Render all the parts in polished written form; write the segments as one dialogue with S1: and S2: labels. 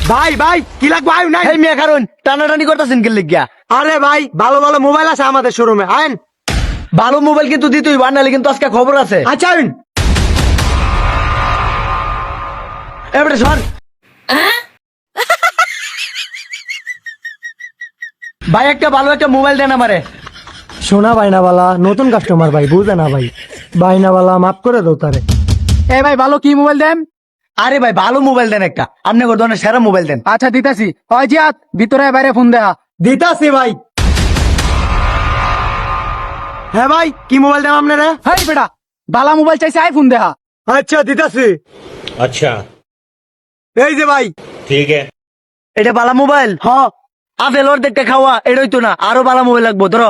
S1: ভাই ভাই কি লাগবে আয়ু নাই।
S2: এই মিয়া কারণ টানাটানি করতেছেন কে লিখিয়া?
S1: আরে ভাই ভালো ভালো মোবাইল আছে আমাদের শোরুমে আইন।
S2: ভালো মোবাইল কিন্তু দিতেই বানালে কিন্তু আজকে খবর আছে।
S1: আচ্ছা আইন।
S2: এবারে সর ভাই, একটা ভালো একটা মোবাইল দেন আমারে।
S1: শোনা বাইনাওয়ালা নতুন কাস্টমার ভাই বুঝে না ভাই, বাইনাওয়ালা মাফ করে দাও তারে।
S3: এই ভাই ভালো কি মোবাইল দেন?
S2: আরে ভাই ভালো মোবাইল দেন একটা, আপনি ধরনের সেরা মোবাইল দেন।
S3: আচ্ছা দিতাছি। হয় জিয়াত ভিতরে বাইরে ফোন দেয়া।
S1: দিতাছি ভাই। হ্যাঁ ভাই কি মোবাইল দেন আপনারা?
S3: হেই বেটা বালা মোবাইল চাইছে আইফোন দেহা।
S1: আচ্ছা দিতাছি।
S4: अच्छा
S1: এই যে ভাই।
S4: ठीक है।
S2: এটা ভালো মোবাইল?
S1: হ
S2: আপেল ওর দেখতে খাওয়া এটাই তো না, আরো ভালো মোবাইল লাগবো ধরো।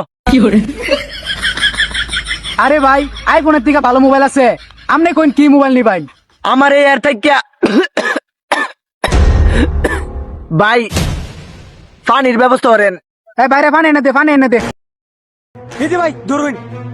S3: আরে ভাই আইফোনের থেকে ভালো মোবাইল আছে, আপনি কোন কি মোবাইল নিবেন?
S2: আমার এই এর থেকে ভাই পানির ব্যবস্থা করেন।
S3: এই বাইরে পানি এনে দে, পানি এনে দে।
S1: এই যে ভাই ধরুন।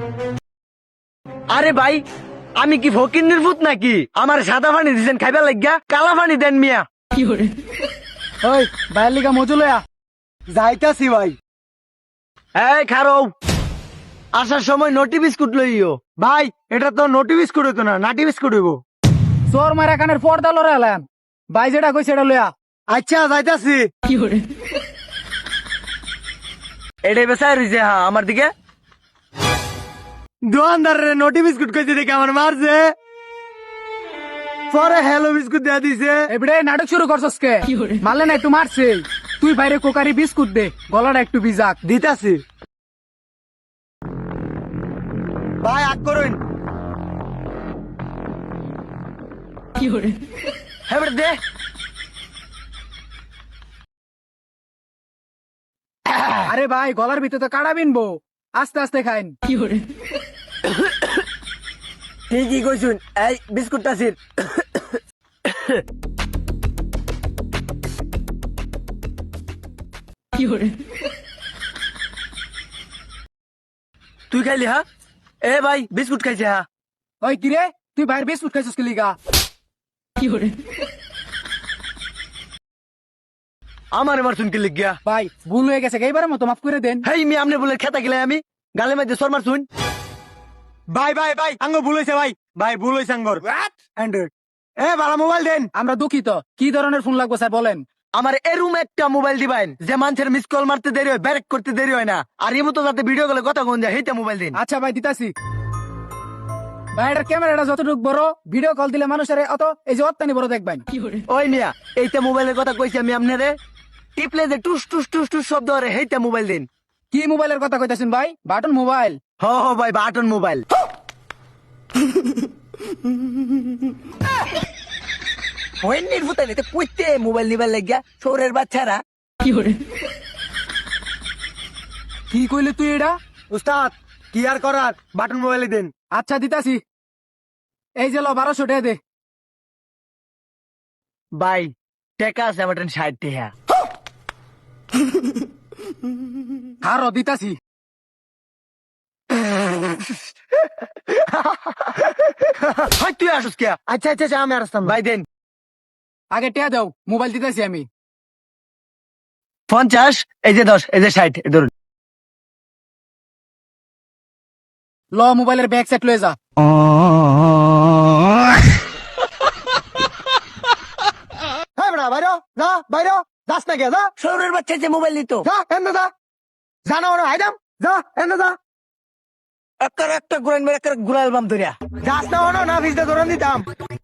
S2: আরে ভাই আমি কি ফকির নির্ভূত নাকি? আমার সাদা পানি দিচ্ছেন খাইবার লাগিয়া, কালা পানি দেন মিয়া।
S3: ওই বাইরের লিগা মজু লয়া।
S1: যাইতাছি ভাই।
S2: এই খারো, আসার সময় নটি বিস্কুট লইও।
S1: ভাই এটা তো নোটি বিস্কুট হইতো না, নাটি বিস্কুট হইব।
S3: চোর মারা কানের পর্দা লড়ে এলাম। ভাই যেটা কই সেটা লয়া।
S1: আচ্ছা যাইতাছি।
S2: এটাই বেসায় রয়েছে হ্যাঁ আমার দিকে।
S1: দোকানদারের নোটি বিস্কুট কইছে দেখে আমার মারছে, পরে হ্যালো বিস্কুট দেয়া দিছে।
S3: এবারে নাটক শুরু করছস কে? মারলে না একটু মারছে। তুই বাইরে কোকারি বিস্কুট দে, গলাটা একটু ভিজাক।
S1: দিতাছি। ভাই আগ করুন।
S2: হ্যাঁ বেটা দে।
S3: আরে ভাই গলার ভিতরে তো কাড়া বিনবো, আস্তে আস্তে খাইন।
S2: ঠিকই কইছুন, এই বিস্কুটটা ছির। তুই খাইলি হ্যাঁ? এ ভাই বিস্কুট খাইছে হ্যাঁ।
S3: ওই কিরে তুই বাইরে বিস্কুট খাইছস কি লিগা?
S2: আমার এবার শুনকে লিখ গিয়া।
S3: ভাই ভুল হয়ে গেছে, এইবারের মতো মাফ করে দেন।
S2: হেই মি আমনে বলে খেতা গেলে আমি গালে মাঝে সরমার শুন।
S1: ভাই ভাই ভাই আঙ্গ ভুল হইছে ভাই, ভাই ভুল হইছে আঙ্গর। অ্যান্ড্রয়েড এ ভালো মোবাইল দেন।
S3: আমরা দুঃখিত, কি ধরনের ফোন লাগবে স্যার বলেন।
S2: আমার এরুম একটা মোবাইল দিবেন যে মানুষের মিস কল মারতে দেরি হয়, ব্যারেক করতে দেরি হয় না, আর এমন তো যাতে ভিডিও কলে কথা কোন যায় সেইটা মোবাইল দিন।
S3: আচ্ছা ভাই দিতাছি। ভাই এটার ক্যামেরাটা যতটুকু বড়, ভিডিও কল দিলে মানুষের অত এই যে অত্যানি বড় দেখবেন।
S2: ওই মিয়া এইটা মোবাইলের কথা কইছি আমি আপনারে, টিপলে যে টুস টুস টুস টুস শব্দ করে সেইটা মোবাইল দিন।
S3: কি মোবাইলের কথা কইতাছেন ভাই? Button mobile?
S2: হ হ ভাই বাটন মোবাইল। ওই নির্ভুতাই নিতে কইতে মোবাইল নিবার লাগিয়া শহরের বাচ্চারা।
S3: কি কইলে তুই এটা?
S1: উস্তাদ কি আর করার, বাটন মোবাইলে দেন।
S3: আচ্ছা দিতাছি। এই যে ল 1200 টাকা দে।
S2: ভাই টেকা আছে আমার 60 টাকা।
S3: আরো দিতাছি।
S2: হয় তুই আসুস কে?
S1: আচ্ছা আচ্ছা আচ্ছা আমি আর আসতাম
S2: ভাই দেন
S3: আগে টিয়া দাও, মোবাইল দিতাছি আমি।
S2: 50, এই যে 10, এই যে 60 ধরুন।
S3: ল মোবাইলের ব্যাক সেট লয়ে যা।
S1: হ্যাঁ বেটা বাইরো যা, বাইরো যাস না কে, যা
S2: শহরের বাচ্চা যে মোবাইল নিত
S1: যা এনে যা, জানো না হাইদাম, যা এনে যা।
S2: একটা ঘুরাইন একটা ঘুরা অ্যালবাম ধরিয়া
S1: যাস না না ভিজতে ধরে দিতাম।